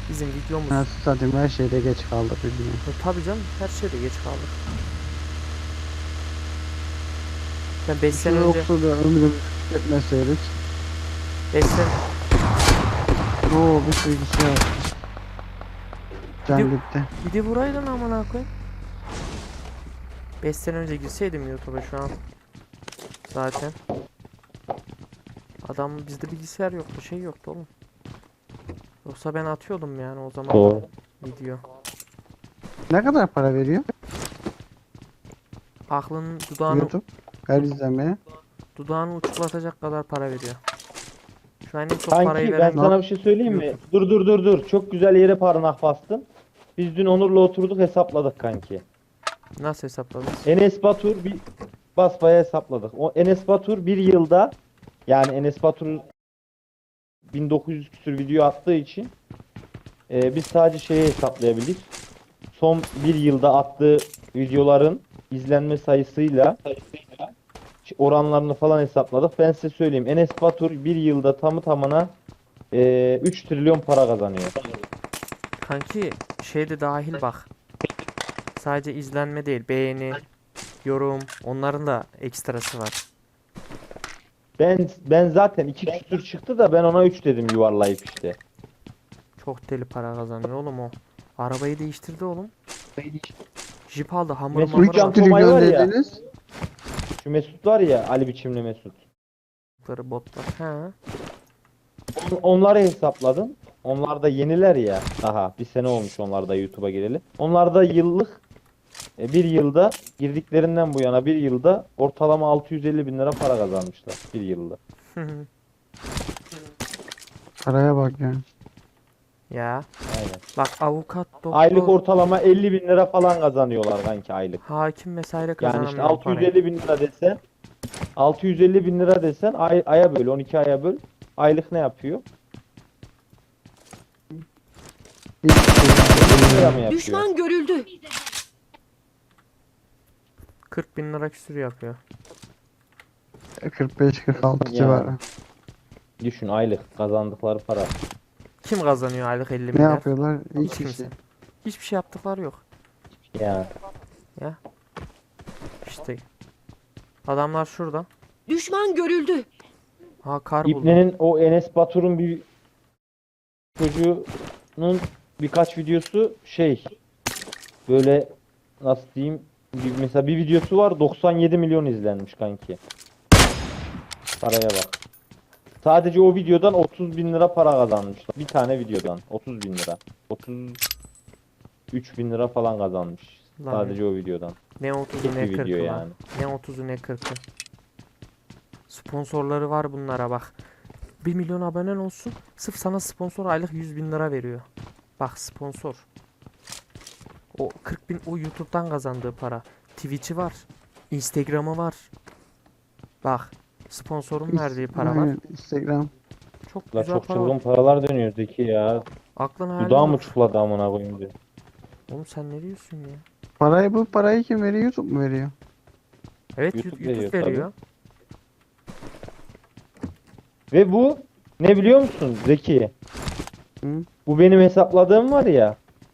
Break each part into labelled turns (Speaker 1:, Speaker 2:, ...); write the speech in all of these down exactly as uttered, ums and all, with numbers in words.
Speaker 1: Bizim videomuz.
Speaker 2: Nasıl satayım, her şeyde geç kaldık bilmiyorum.
Speaker 1: E, tabii canım, her şeyde geç kaldık. Ben beş
Speaker 2: Şu
Speaker 1: sene önce
Speaker 2: yoksa da ömrümüzü tüketmeseydik.
Speaker 1: beş sene
Speaker 2: Oo, bir sürü kişi yaptı. Can
Speaker 1: Gidiyor.
Speaker 2: gitti.
Speaker 1: bir de vuraydın amına koyayım. beş sene önce girseydim YouTube'a şu an. Zaten. Adam bizde bilgisayar yoktu, şey yoktu oğlum. Yoksa ben atıyordum yani o zaman
Speaker 3: Doğru.
Speaker 1: video.
Speaker 2: Ne kadar para veriyor
Speaker 1: Aklının dudağını
Speaker 2: YouTube her izlemeye?
Speaker 1: dudağını uçuklatacak kadar para veriyor. Şu an en çok parayı
Speaker 3: Kanki ben
Speaker 1: veren
Speaker 3: sana bir şey söyleyeyim mi?
Speaker 1: YouTube.
Speaker 3: Dur dur dur dur. Çok güzel yere parmak bastın. Biz dün Onur'la oturduk hesapladık kanki.
Speaker 1: Nasıl hesapladınız?
Speaker 3: Enes Batur bir basbaya hesapladık. O Enes Batur bir yılda, yani Enes Batur bin dokuz yüz küsür video attığı için e, biz sadece şeyi hesaplayabildik. Son bir yılda attığı videoların izlenme sayısıyla oranlarını falan hesapladık. Ben size söyleyeyim. Enes Batur bir yılda tamı tamına e, üç trilyon para kazanıyor.
Speaker 1: Kanki şey de dahil bak. Sadece izlenme değil, beğeni, yorum, onların da ekstrası var.
Speaker 3: Ben ben zaten iki küsür çıktı da ben ona üç dedim yuvarlayıp işte.
Speaker 1: Çok deli para kazanıyor oğlum o. Arabayı değiştirdi oğlum. Jip aldı, hamur
Speaker 3: Mesut
Speaker 1: mamur
Speaker 3: Can
Speaker 1: var.
Speaker 3: Tomay var ya.
Speaker 2: dediniz.
Speaker 3: Şu Mesut var ya, Ali biçimli Mesut.
Speaker 1: Botlar. He.
Speaker 3: On- Onları hesapladım. Onlar da yeniler ya. Daha bir sene olmuş onlar da YouTube'a gireli. Onlar da yıllık e, bir yılda girdiklerinden bu yana bir yılda ortalama altı yüz elli bin lira para kazanmışlar bir yılda.
Speaker 2: Paraya bak ya.
Speaker 1: Ya.
Speaker 3: Aynen.
Speaker 1: Bak avukat, doktor,
Speaker 3: Aylık ortalama elli bin lira falan kazanıyorlar kanki aylık.
Speaker 1: hakim vesaire
Speaker 3: Yani
Speaker 1: kazanamıyor
Speaker 3: işte
Speaker 1: bu
Speaker 3: altı yüz
Speaker 1: parayı.
Speaker 3: elli bin lira desen altı yüz elli bin lira desen ay, aya böl on iki aya böl. Aylık ne yapıyor?
Speaker 2: Hiçbir şey
Speaker 3: elli bin lira mı
Speaker 2: yapmıyor.
Speaker 3: yapıyor?
Speaker 4: Düşman görüldü.
Speaker 1: kırk bin lira küsür yapıyor.
Speaker 2: kırk beş kırk altı
Speaker 3: Ya.
Speaker 2: civarı.
Speaker 3: Düşün aylık kazandıkları para.
Speaker 1: Kim kazanıyor aylık elli
Speaker 2: Ne
Speaker 1: milyar?
Speaker 2: yapıyorlar?
Speaker 1: Hiç
Speaker 2: Hiçbir
Speaker 1: kimse.
Speaker 2: şey.
Speaker 1: Hiçbir şey yaptıkları yok.
Speaker 3: Ya.
Speaker 1: İşte. Adamlar şurada.
Speaker 4: Düşman görüldü.
Speaker 1: Ha kar buldu.
Speaker 3: İbnenin o Enes Batur'un bir çocuğunun birkaç videosu şey böyle nasıl diyeyim bir, mesela bir videosu var doksan yedi milyon izlenmiş kanki. Paraya bak. Sadece o videodan otuz bin lira para kazanmışlar. Bir tane videodan otuz bin lira. otuz üç bin lira falan kazanmış.
Speaker 1: Lan
Speaker 3: Sadece o videodan.
Speaker 1: Ne otuzu
Speaker 3: Tek
Speaker 1: ne
Speaker 3: bir video
Speaker 1: kırkı lan.
Speaker 3: yani.
Speaker 1: Ne otuzu ne kırkı. Sponsorları var bunlara bak. bir milyon abonen olsun. Sırf sana sponsor aylık yüz bin lira veriyor. Bak sponsor. O kırk bin o YouTube'dan kazandığı para. Twitch'i var. Instagram'ı var. Bak. Sponsorun verdiği para var.
Speaker 2: Aynen, Instagram.
Speaker 1: Çok
Speaker 3: La
Speaker 1: güzel
Speaker 3: çok
Speaker 1: para var.
Speaker 3: çılgın paralar dönüyor Zeki ya.
Speaker 1: Aklın hayalin
Speaker 3: Dudağım
Speaker 1: yok.
Speaker 3: uçukladı amına koyayım diyor.
Speaker 1: Oğlum sen ne diyorsun ya?
Speaker 2: Parayı bu parayı kim veriyor? YouTube mu veriyor?
Speaker 1: Evet
Speaker 3: YouTube
Speaker 1: YouTube, YouTube
Speaker 3: veriyor
Speaker 1: veriyor.
Speaker 3: Ve bu ne biliyor musun Zeki?
Speaker 2: Hı?
Speaker 3: Bu benim hesapladığım var ya.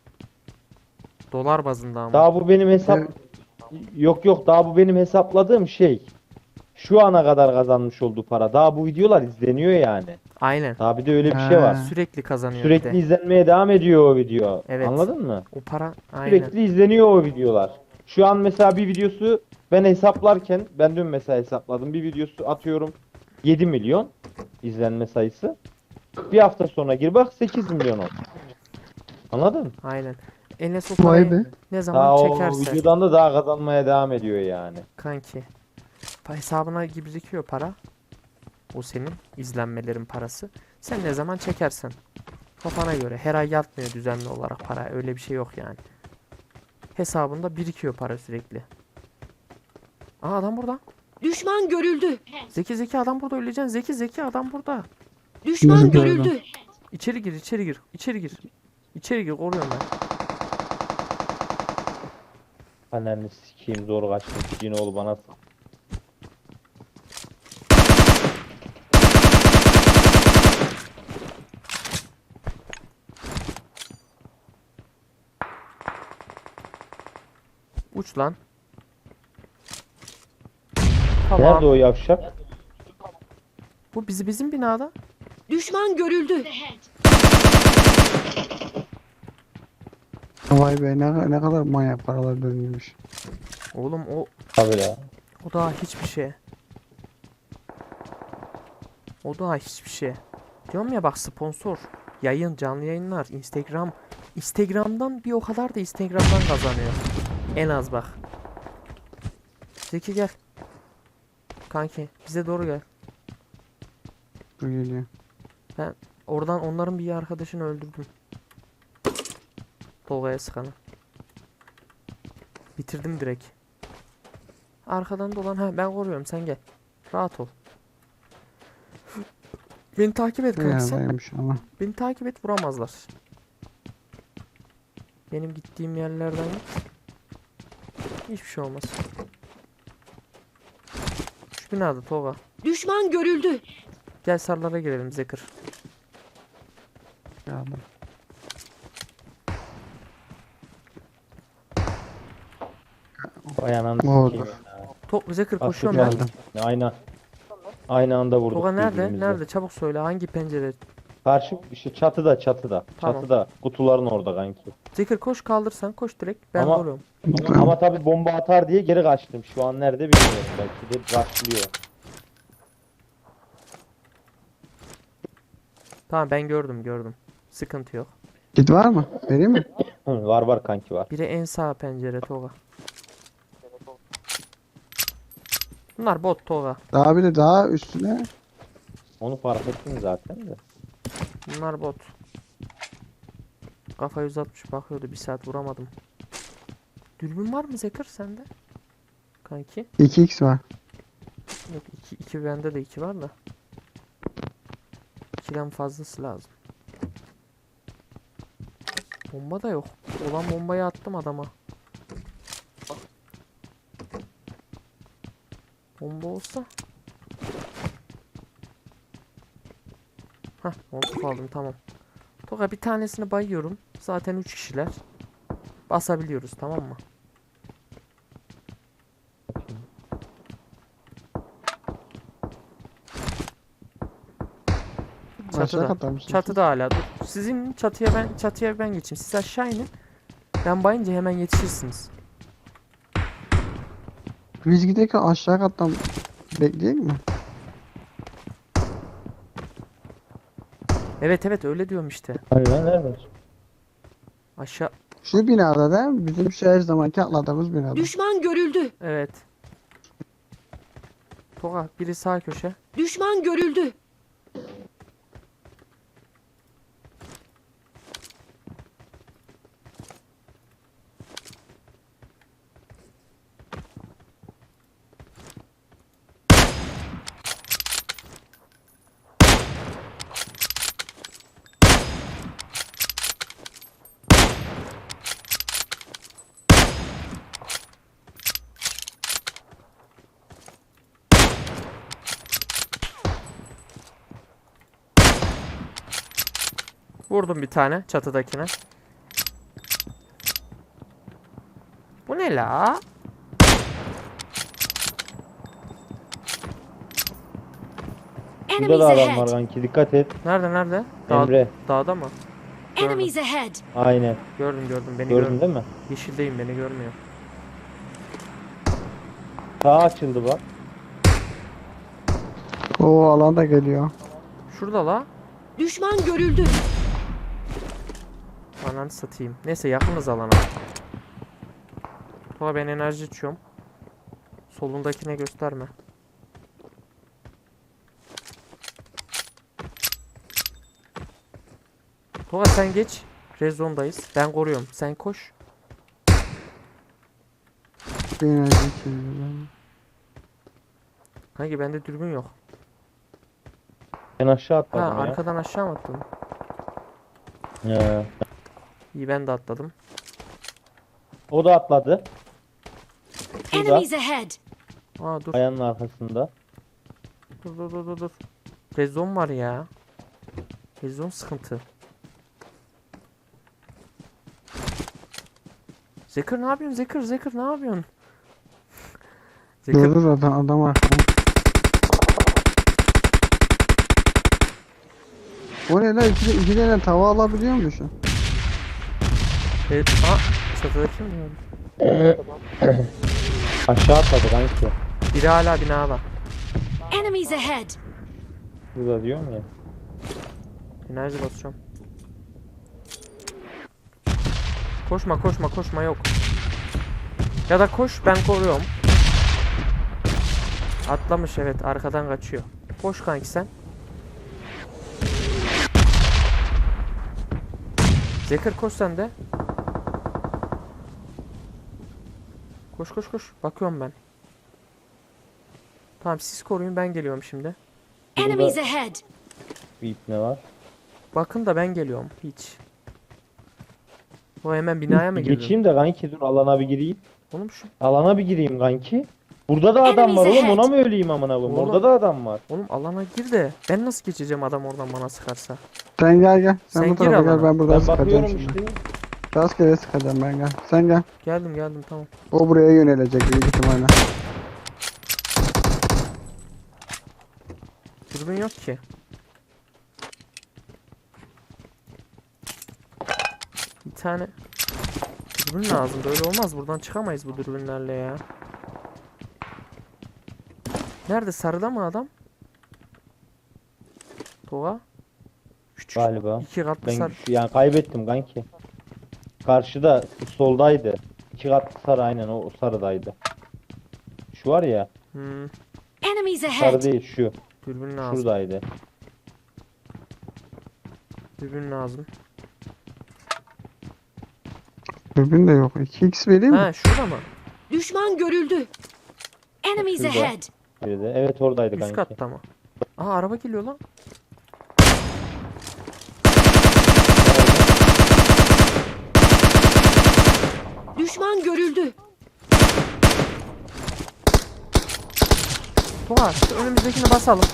Speaker 1: Dolar bazında ama.
Speaker 3: Daha bu benim hesap
Speaker 2: Evet.
Speaker 3: yok yok daha bu benim hesapladığım şey. Şu ana kadar kazanmış olduğu para. Daha bu videolar izleniyor yani.
Speaker 1: Aynen.
Speaker 3: Daha bir de öyle bir şey var.
Speaker 2: Ha.
Speaker 1: Sürekli kazanıyor bir
Speaker 3: Sürekli
Speaker 1: de.
Speaker 3: izlenmeye devam ediyor o video.
Speaker 1: Evet.
Speaker 3: Anladın mı?
Speaker 1: O para aynen.
Speaker 3: Sürekli izleniyor o videolar. Şu an mesela bir videosu ben hesaplarken ben dün mesela hesapladım. Bir videosu atıyorum yedi milyon izlenme sayısı. Bir hafta sonra gir bak sekiz milyon oldu. Anladın mı?
Speaker 1: Aynen. Enes o
Speaker 2: Vay
Speaker 1: parayı
Speaker 2: be.
Speaker 1: ne zaman
Speaker 3: Daha o
Speaker 1: çekerse
Speaker 3: videodan da daha kazanmaya devam ediyor yani.
Speaker 1: kanki. Pa- Hesabına gibi birikiyor para. O senin izlenmelerin parası. Sen ne zaman çekersen. Kafana göre. Her ay yatmıyor düzenli olarak para. Öyle bir şey yok yani. Hesabında birikiyor para sürekli. Aa adam burada.
Speaker 4: Düşman görüldü.
Speaker 1: Zeki Zeki adam burada öleceksin. Zeki Zeki adam burada.
Speaker 4: Düşman
Speaker 2: Nasıl
Speaker 4: görüldü.
Speaker 1: İçeri gir içeri gir. İçeri gir. İçeri gir koruyorum ben.
Speaker 3: Ananı sikeyim zor kaçtım. Yine oğlu bana sık.
Speaker 1: Uç lan. Tamam.
Speaker 3: Nerede o yavşak?
Speaker 1: Bu bizi bizim binada.
Speaker 4: Düşman görüldü.
Speaker 2: Vay be ne, ne kadar manyak paralar dönüyormuş.
Speaker 1: Oğlum o
Speaker 3: Tabii ya.
Speaker 1: o daha hiçbir şey. O daha hiçbir şey. Diyorum ya bak sponsor. Yayın, canlı yayınlar, Instagram. Instagram'dan bir o kadar da Instagram'dan kazanıyor. En az bak. Zeki gel. Kanki bize doğru gel.
Speaker 2: Bu geliyor.
Speaker 1: Oradan onların bir arkadaşını öldürdüm. Tolga'ya sıkanı. Bitirdim direkt. Arkadan dolan. Ha ben koruyorum sen gel. Rahat ol. Beni takip et kanki sen.
Speaker 2: Yerdeymiş ama.
Speaker 1: Beni takip et vuramazlar. Benim gittiğim yerlerden git. Hiçbir şey olmaz. Şu binada Tolga.
Speaker 4: Düşman görüldü.
Speaker 1: Gel sarlara girelim Zekir.
Speaker 2: Geldim.
Speaker 3: Vay ananı
Speaker 2: Oldu.
Speaker 3: sikeyim.
Speaker 1: To Zekir
Speaker 3: Bak,
Speaker 1: koşuyorum ben.
Speaker 2: Geldim.
Speaker 3: Aynı. Aynı anda vurduk.
Speaker 1: Tolga nerede?
Speaker 3: birbirimize.
Speaker 1: Nerede? Çabuk söyle hangi pencere?
Speaker 3: Karşı işte çatıda çatıda.
Speaker 1: Tamam.
Speaker 3: Çatıda. Kutuların orada kanki.
Speaker 1: Zekir koş kaldırsan koş direkt. Ben
Speaker 3: Ama-
Speaker 1: koruyorum.
Speaker 3: Ama, ama tabii bomba atar diye geri kaçtım. Şu an nerede bilmiyorum. Belki de başlıyor.
Speaker 1: Tamam ben gördüm gördüm. Sıkıntı yok.
Speaker 2: Git var mı? Vereyim mi?
Speaker 3: Hı, var var kanki var.
Speaker 1: Biri en sağ pencere Tolga. Bunlar bot Tolga.
Speaker 2: Daha bir de daha üstüne.
Speaker 3: Onu fark ettim zaten de.
Speaker 1: Bunlar bot. Kafa yüz altmış bakıyordu bir saat vuramadım. Dürbün var mı Zekir sende? Kanki.
Speaker 2: iki x var.
Speaker 1: Yok iki, iki bende de iki var da. ikiden fazlası lazım. Bomba da yok. Olan bombayı attım adama. Bomba olsa. Hah, koltuk aldım tamam. Toka bir tanesini bayıyorum. Zaten üç kişiler. Basabiliyoruz tamam mı?
Speaker 2: Aşağı
Speaker 1: Çatıda.
Speaker 2: katar mısın?
Speaker 1: Çatıda hala. Dur. Sizin çatıya ben çatıya ben geçeyim. Siz aşağı inin. Ben bayınca hemen yetişirsiniz.
Speaker 2: Biz giderken aşağı kattan bekleyecek mi?
Speaker 1: Evet evet öyle diyorum işte.
Speaker 3: Hayır lan nerede?
Speaker 1: Aşağı
Speaker 2: Şu binada değil mi? Bizim şu her zamanki atladığımız binada.
Speaker 4: Düşman görüldü.
Speaker 1: evet. Toga biri sağ köşe.
Speaker 4: Düşman görüldü.
Speaker 1: Vurdum bir tane çatıdakine. Bu ne la?
Speaker 3: Burada da
Speaker 4: Enemies
Speaker 3: adam var
Speaker 4: ahead.
Speaker 3: kanki. Dikkat et.
Speaker 1: Nerede nerede? Dağ,
Speaker 3: Emre.
Speaker 1: dağda mı?
Speaker 4: Enemies ahead.
Speaker 3: Aynen.
Speaker 1: Gördüm gördüm beni
Speaker 3: Gördün
Speaker 1: gördüm.
Speaker 3: değil mi?
Speaker 1: Yeşildeyim beni görmüyor.
Speaker 3: Sağ açıldı bak.
Speaker 2: O alan da geliyor.
Speaker 1: Şurada la.
Speaker 4: Düşman görüldü.
Speaker 1: Ananı satayım. Neyse yakınız alana. Toga ben enerji içiyorum. Solundakine gösterme. Toga sen geç. Rezondayız. Ben koruyorum. Sen koş.
Speaker 2: Bir enerji içiyorum.
Speaker 1: Kanki bende dürbün yok.
Speaker 3: Ben aşağı
Speaker 1: Ha
Speaker 3: atladım ya.
Speaker 1: arkadan aşağı mı attın?
Speaker 3: Ya.
Speaker 1: İyi ben de atladım.
Speaker 3: O da atladı. Şurada.
Speaker 4: Enemies ahead.
Speaker 1: Aa dur.
Speaker 3: Ayağının arkasında.
Speaker 1: Dur dur dur dur dur. Rezon var ya. Rezon sıkıntı. Zekir ne yapıyorsun? Zekir, Zekir ne yapıyorsun? Zekir
Speaker 2: Dur dur adam, adam var. O ne lan? İki, iki tane tava alabiliyor musun?
Speaker 1: evet. Aa, çatıda kim diyorum?
Speaker 3: Aşağı atladı kanki.
Speaker 1: Biri hala binada.
Speaker 4: Enemies ahead!
Speaker 3: Burada diyorum ya.
Speaker 1: Enerji basıyorum. Koşma koşma koşma yok. Ya da koş ben koruyorum. Atlamış evet arkadan kaçıyor. Koş kanki sen. Zekir koş sen de. Koş koş koş. Bakıyorum ben. Tamam siz koruyun ben geliyorum şimdi.
Speaker 4: Enemies ahead!
Speaker 3: Bir ip ne var?
Speaker 1: Bakın da ben geliyorum. Hiç. O hemen binaya mı
Speaker 3: Bir
Speaker 1: girdi?
Speaker 3: geçeyim de kanki dur alana bir gireyim.
Speaker 1: Oğlum şu.
Speaker 3: Alana bir gireyim kanki. Burada da adam var
Speaker 4: Enemies
Speaker 3: oğlum, ona
Speaker 4: ahead.
Speaker 3: mı öleyim amına koyayım?
Speaker 1: Oğlum.
Speaker 3: Orada da adam var.
Speaker 1: Oğlum alana gir de. Ben nasıl geçeceğim adam oradan bana sıkarsa?
Speaker 2: Sen gel gel. Sen,
Speaker 1: Sen
Speaker 2: bu
Speaker 1: gir
Speaker 2: tarafa gel
Speaker 1: alana.
Speaker 2: ben buradan
Speaker 3: Ben
Speaker 2: sıkacağım
Speaker 3: bakıyorum
Speaker 2: şimdi.
Speaker 3: işte.
Speaker 2: Rastgele sıkacağım ben gel. Sen gel.
Speaker 1: Geldim geldim tamam.
Speaker 2: O buraya yönelecek büyük ihtimalle.
Speaker 1: Dürbün yok ki. Bir tane dürbün lazım. Böyle olmaz. Buradan çıkamayız bu dürbünlerle ya. Nerede? Sarıda mı adam? Tova. Küçük.
Speaker 3: Galiba.
Speaker 1: İki katlı
Speaker 3: Ben
Speaker 1: sarı.
Speaker 3: yani kaybettim kanki. Karşıda soldaydı. İki katlı sarı aynen o, o sarıdaydı. Şu var ya,
Speaker 1: Hmm,
Speaker 4: Enemies
Speaker 3: sarı
Speaker 4: ahead!
Speaker 3: değil şu.
Speaker 1: dürbün lazım.
Speaker 3: Şuradaydı.
Speaker 1: Dürbün lazım.
Speaker 2: Dürbün de yok. iki x vereyim mi?
Speaker 1: Ha şurada mı?
Speaker 4: Düşman görüldü. Enemies
Speaker 3: Şurada.
Speaker 4: ahead!
Speaker 3: Biri de. Evet oradaydı
Speaker 1: Üst
Speaker 3: kanki.
Speaker 1: katta mı? Aha araba geliyor lan.
Speaker 4: Düşman görüldü.
Speaker 1: Tova şu önümüzdekini basalım.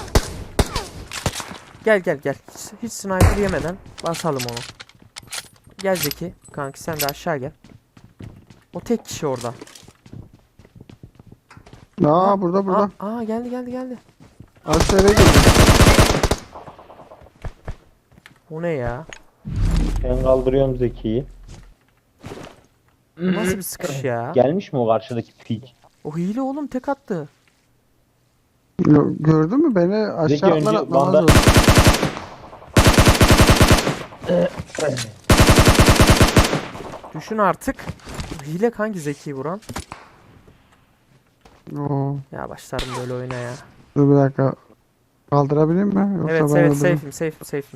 Speaker 1: Gel gel gel. Hiç, hiç sniper yemeden basalım onu. Gel Zeki. Kanki sen de aşağı gel. O tek kişi orada.
Speaker 2: Aa burada burada.
Speaker 1: Aa, aa geldi geldi geldi.
Speaker 2: Aşağıya gidiyor.
Speaker 1: O ne ya?
Speaker 3: Ben kaldırıyorum Zeki'yi.
Speaker 1: Bu nasıl bir sıkış ya?
Speaker 3: Gelmiş mi o karşıdaki pik?
Speaker 1: O hile oğlum tek attı.
Speaker 2: Yo- Gördün mü beni
Speaker 3: Zeki
Speaker 2: aşağı
Speaker 3: önce
Speaker 2: atlar atlamaz
Speaker 3: banda-
Speaker 2: oldu.
Speaker 1: Düşün artık. Bu hile kanki Zeki'yi vuran.
Speaker 2: Oo.
Speaker 1: Ya başlarım böyle oyuna ya.
Speaker 2: Dur bir dakika. Kaldırabilir mi? Yoksa
Speaker 1: Evet
Speaker 2: ben
Speaker 1: evet
Speaker 2: öldürürüm.
Speaker 1: safe'im safe'im safe'im.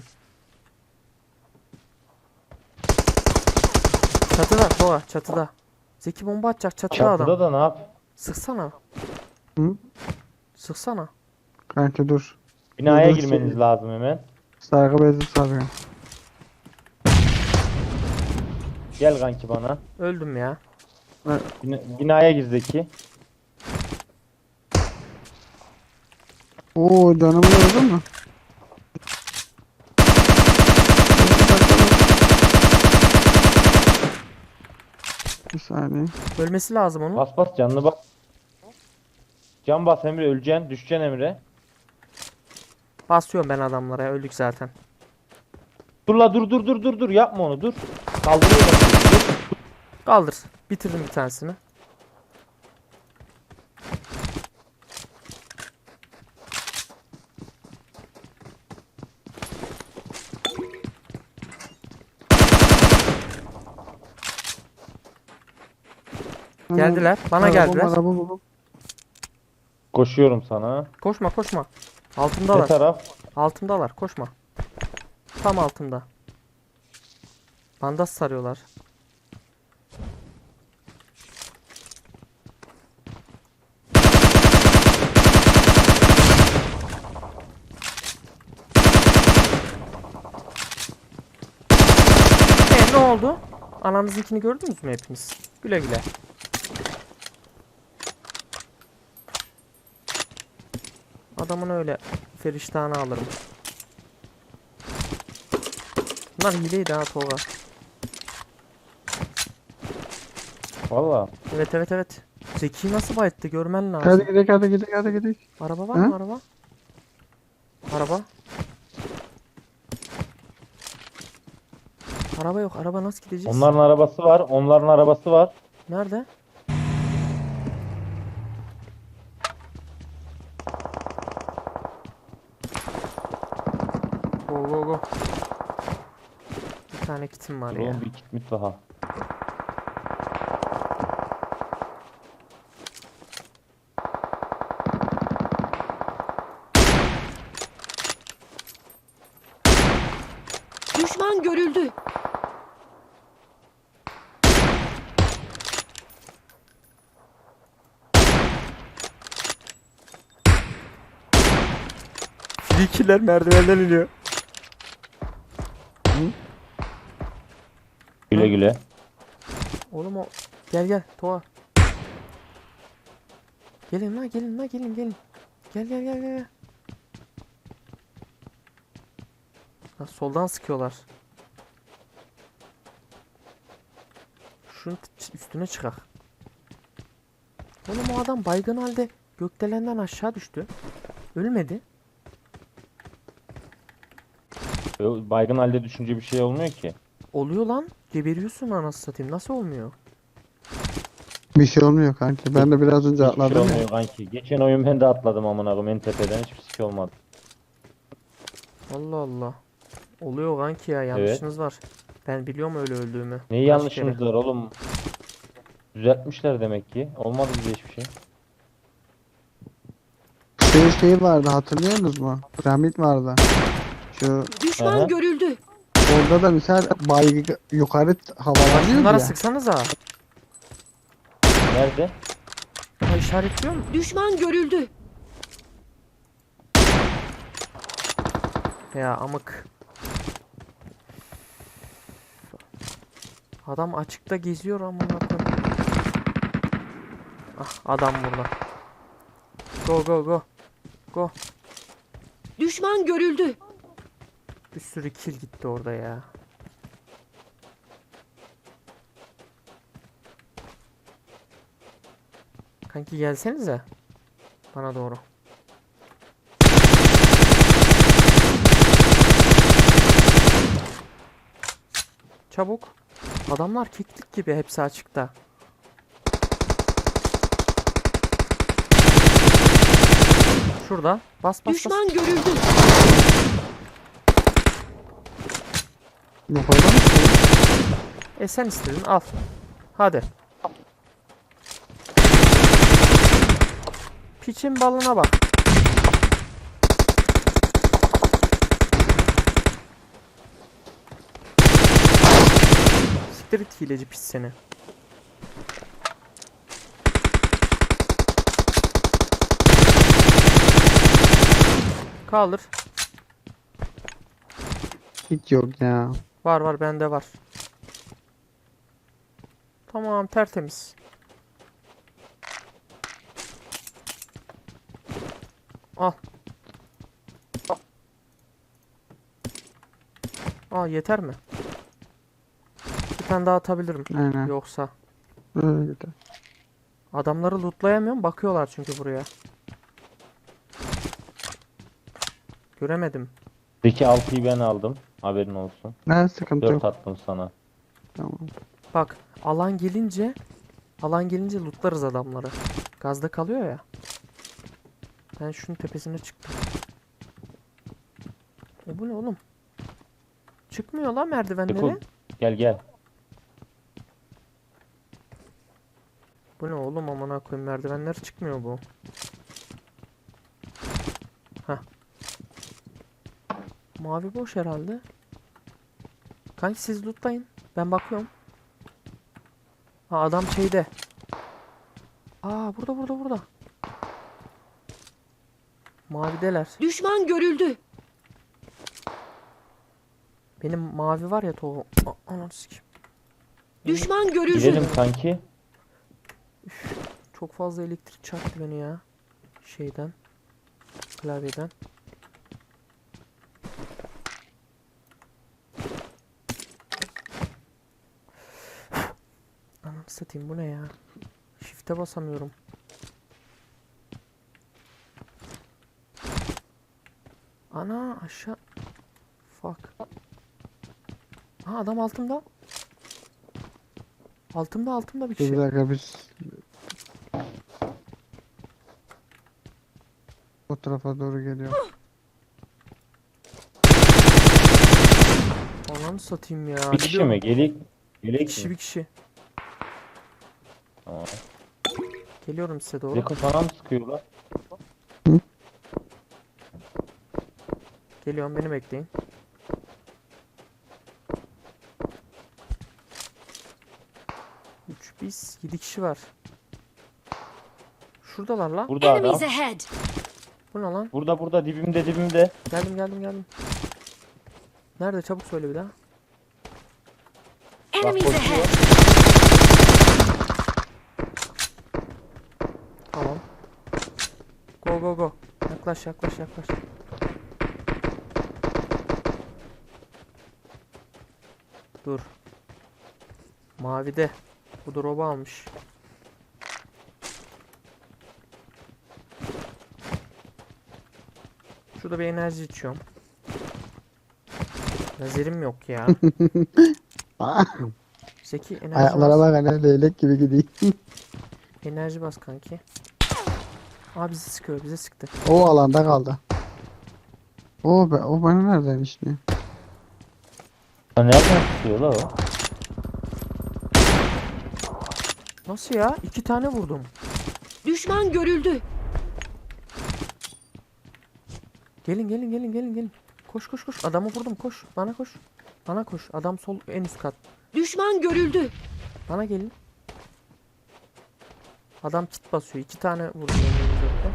Speaker 1: Çatıda Tova çatıda. Zeki bomba atacak çatıda adam.
Speaker 3: Çatıda da ne yap?
Speaker 1: Sıksana.
Speaker 2: Hı?
Speaker 1: Sıksana.
Speaker 2: Kanka dur.
Speaker 3: Binaya
Speaker 2: Dur, dur,
Speaker 3: girmeniz
Speaker 2: şey-
Speaker 3: lazım hemen.
Speaker 2: Sargı bezi sarıyor.
Speaker 3: Gel kanki bana.
Speaker 1: Öldüm ya.
Speaker 3: Bina- binaya gir Zeki.
Speaker 2: Oo canımı gördün mü? Bir saniye.
Speaker 1: Ölmesi lazım onun.
Speaker 3: Bas bas canını bak. Can bas Emre, öleceksin. Düşeceksin Emre.
Speaker 1: Basıyorum ben adamlara ya, öldük zaten.
Speaker 3: Dur la dur dur dur dur dur yapma onu dur. Kaldırıyorum. Dur.
Speaker 1: Kaldır. Bitirdim bir tanesini. Geldiler. Bana
Speaker 2: Araba,
Speaker 1: geldiler.
Speaker 2: araba, araba.
Speaker 3: Koşuyorum sana.
Speaker 1: Koşma koşma.
Speaker 3: Ne
Speaker 1: Altımdalar.
Speaker 3: taraf?
Speaker 1: Altımdalar. Koşma. Tam altımda. Bandaj sarıyorlar. E ne oldu? Ananızınkini gördünüz mü hepiniz? Güle güle. Adamın öyle feriştahını alırım. Bunlar hileydi ha Tolga.
Speaker 3: Valla.
Speaker 1: Evet evet evet. Zeki nasıl bayıttı görmen lazım.
Speaker 2: Hadi gidelim hadi gidelim hadi gidelim.
Speaker 1: Araba var
Speaker 2: Ha?
Speaker 1: mı araba? Araba. Araba yok. Araba nasıl gideceğiz?
Speaker 3: Onların arabası var. Onların arabası var.
Speaker 1: Nerede? Go go go. Bir tane kitim var
Speaker 3: Dur
Speaker 1: ya.
Speaker 3: oğlum bir kitmit daha.
Speaker 4: Düşman görüldü.
Speaker 1: Frikiler merdivenden iniyor.
Speaker 3: Güle güle.
Speaker 1: Oğlum o. Gel gel Toğa. Gelin la gelin la gelin gelin. Gel gel gel gel. Ha, soldan sıkıyorlar. Şunun t- üstüne çıkak. Oğlum o adam baygın halde gökdelenden aşağı düştü. Ölmedi.
Speaker 3: Ö- Baygın halde düşünce bir şey olmuyor ki.
Speaker 1: Oluyor lan. Geberiyorsun anasını satayım. Nasıl olmuyor?
Speaker 2: Bir şey olmuyor kanki. Ben de biraz önce
Speaker 3: Hiçbir şey
Speaker 2: atladım ya.
Speaker 3: olmuyor kanki. Geçen oyun ben de atladım amına koyayım en tepeden hiçbir şey olmadı.
Speaker 1: Allah Allah. Oluyor kanki ya. Yanlışınız var. Ben biliyorum öyle öldüğümü.
Speaker 3: Neyi
Speaker 1: Kaç
Speaker 3: yanlışımız
Speaker 1: kere.
Speaker 3: var oğlum? Düzeltmişler demek ki. Olmadı bize hiçbir şey.
Speaker 2: Şey şey vardı hatırlıyorsunuz mu? Piramit vardı. Şu
Speaker 4: Düşman
Speaker 3: Aha.
Speaker 4: görüldü.
Speaker 2: orada da misal baygı yukarı havalanıyor
Speaker 1: Bunlara
Speaker 2: ya.
Speaker 1: sıksanıza.
Speaker 3: Nerede?
Speaker 1: Ha, işaretliyor mu?
Speaker 4: Düşman görüldü.
Speaker 1: Ya amık. Adam açıkta geziyor amına koyayım. Ah adam burada. Go go go. Go.
Speaker 4: Düşman görüldü.
Speaker 1: Bir sürü kill gitti orada ya. Kanki gelsenize. Bana doğru. Çabuk. Adamlar keklik gibi hepsi açıkta. Şurada. Bas bas bas.
Speaker 4: Düşman görüldü.
Speaker 2: Yukarıda mı?
Speaker 1: E sen istedin al. Hadi. Piçin balına bak. Siktir it hileci pis seni. Kaldır.
Speaker 2: Hiç yok ya.
Speaker 1: Var var bende var. Tamam tertemiz. Al. Aa yeter mi? Bir tane daha atabilirim.
Speaker 2: Aynen.
Speaker 1: Yoksa.
Speaker 2: Öyle de.
Speaker 1: Adamları lootlayamıyorum. Bakıyorlar çünkü buraya. Göremedim.
Speaker 3: Peki altıyı ben aldım. Haberin olsun.
Speaker 2: Ne sıkıntı
Speaker 3: dört
Speaker 2: yok.
Speaker 3: attım sana.
Speaker 2: Tamam.
Speaker 1: Bak alan gelince alan gelince lootlarız adamları. Gazda kalıyor ya. Ben şunun tepesine çıktım. E bu ne oğlum? Çıkmıyor lan merdivenlere.
Speaker 3: Dekul, gel gel.
Speaker 1: Bu ne oğlum amına koyayım merdivenler çıkmıyor bu. Hah. Mavi boş herhalde. Kanki siz lootlayın. Ben bakıyorum. Ha adam şeyde. Aa burada burada burada. Mavideler.
Speaker 4: Düşman görüldü.
Speaker 1: Benim mavi var ya tohum. A- Ananı sikeyim.
Speaker 4: Düşman görüldü.
Speaker 3: Gidelim kanki.
Speaker 1: Çok fazla elektrik çarptı beni ya. Şeyden. Klavyeden. Ananı satayım bu ne ya? Shift'e basamıyorum. Ana aşağı. Fuck. Ha adam altımda. Altımda altımda bir
Speaker 2: Dur bir
Speaker 1: kişi.
Speaker 2: dakika biz o tarafa doğru geliyor.
Speaker 1: Ananı satayım ya.
Speaker 3: Bir kişi
Speaker 1: Gidiyorum.
Speaker 3: mi? Gelik.
Speaker 1: Bir
Speaker 3: Gelek
Speaker 1: kişi
Speaker 3: mi?
Speaker 1: bir kişi.
Speaker 3: Tamam.
Speaker 1: Geliyorum size doğru.
Speaker 3: Zeko sana mı sıkıyorlar?
Speaker 1: Geliyorum beni bekleyin. Üç biz yedi kişi var. Şuradalar lan.
Speaker 3: Burada adam.
Speaker 4: Enemies ahead!
Speaker 1: Bu ne lan?
Speaker 3: Burada burada dibimde dibimde.
Speaker 1: Geldim geldim geldim. Nerede çabuk söyle bir daha.
Speaker 4: Enemies
Speaker 3: koşuyor.
Speaker 4: ahead!
Speaker 1: Tamam. Go go go. Yaklaş yaklaş yaklaş. Dur. Mavide. Bu drop'u almış. Şurada bir enerji içiyorum. Lazerim yok ya. Zeki enerji
Speaker 2: Ayaklara
Speaker 1: bas.
Speaker 2: bak hani leylek gibi gidiyor.
Speaker 1: Enerji bas kanki. Aa bizi sıkıyor bize sıktı.
Speaker 2: O alanda kaldı. O be, o bana nereden işliyor?
Speaker 3: Ya nereden sıkıyor la o?
Speaker 1: Nasıl ya? İki tane vurdum.
Speaker 4: Düşman görüldü.
Speaker 1: Gelin gelin gelin gelin gelin. Koş koş koş. Adamı vurdum koş. Bana koş. Bana koş. Adam sol en üst kat.
Speaker 4: Düşman görüldü.
Speaker 1: Bana gelin. Adam kit basıyor. İki tane vurdum önümüzde.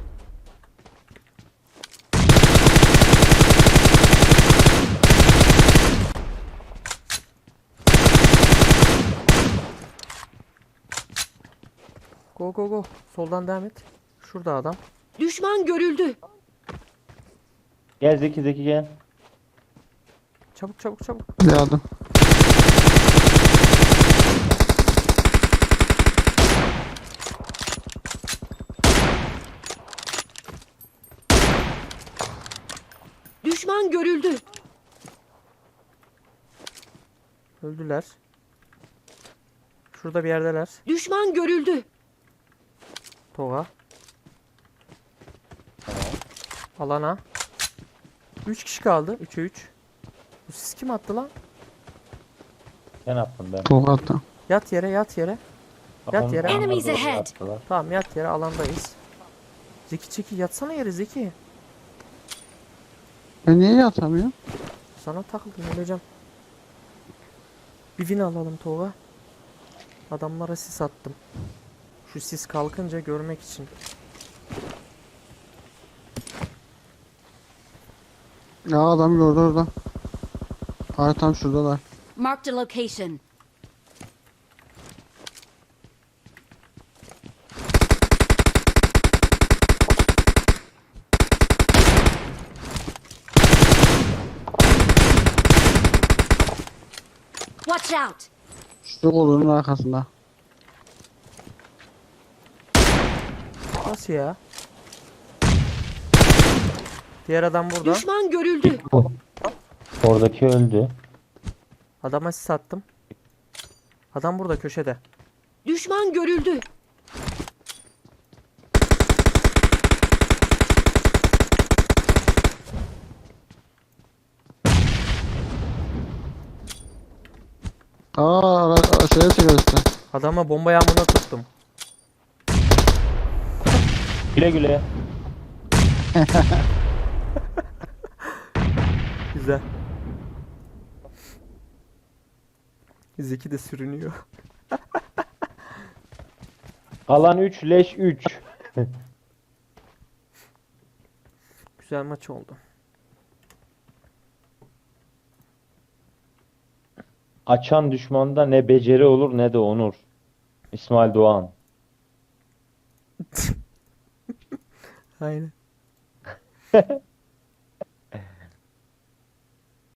Speaker 1: Go go go. Soldan devam et. Şurada adam.
Speaker 4: Düşman görüldü.
Speaker 3: Gel Zeki Zeki gel.
Speaker 1: Çabuk çabuk çabuk.
Speaker 2: Yardım.
Speaker 4: Düşman görüldü.
Speaker 1: Öldüler. Şurada bir yerdeler.
Speaker 4: Düşman görüldü.
Speaker 1: Toga. Alana. üç kişi kaldı. üçe üç. Bu siz kim attı lan?
Speaker 3: Ben attım ben.
Speaker 2: Tolga'da.
Speaker 1: Yat yere yat yere. Yat yere.
Speaker 3: Onlar
Speaker 4: Enemies
Speaker 3: doğru
Speaker 4: ahead.
Speaker 3: attılar.
Speaker 1: Tamam yat yere alandayız. Zeki çeki yatsana yere Zeki.
Speaker 2: Ben niye yatamıyorum?
Speaker 1: Sana takıldım öleceğim. Bir win alalım Tolga. Adamlara sis attım. Şu sis kalkınca görmek için.
Speaker 2: Ya adam gördü orada. Hayır tam şuradalar.
Speaker 4: Marked a location. Watch out!
Speaker 2: Şu kolunun arkasında.
Speaker 1: Nasıl ya? Diğer adam burada.
Speaker 4: Düşman görüldü.
Speaker 3: Oradaki öldü.
Speaker 1: Adama sis attım. Adam burada köşede.
Speaker 4: Düşman görüldü.
Speaker 2: Aa ara, ara, şeye çıkar işte.
Speaker 1: Adama bomba yağmuruna tuttum.
Speaker 3: Güle güle.
Speaker 1: Güzel. Zeki de sürünüyor.
Speaker 3: Alan üç leş üç.
Speaker 1: Güzel maç oldu.
Speaker 3: Açan düşmanda ne beceri olur ne de onur. İsmail Doğan.
Speaker 1: Aynen.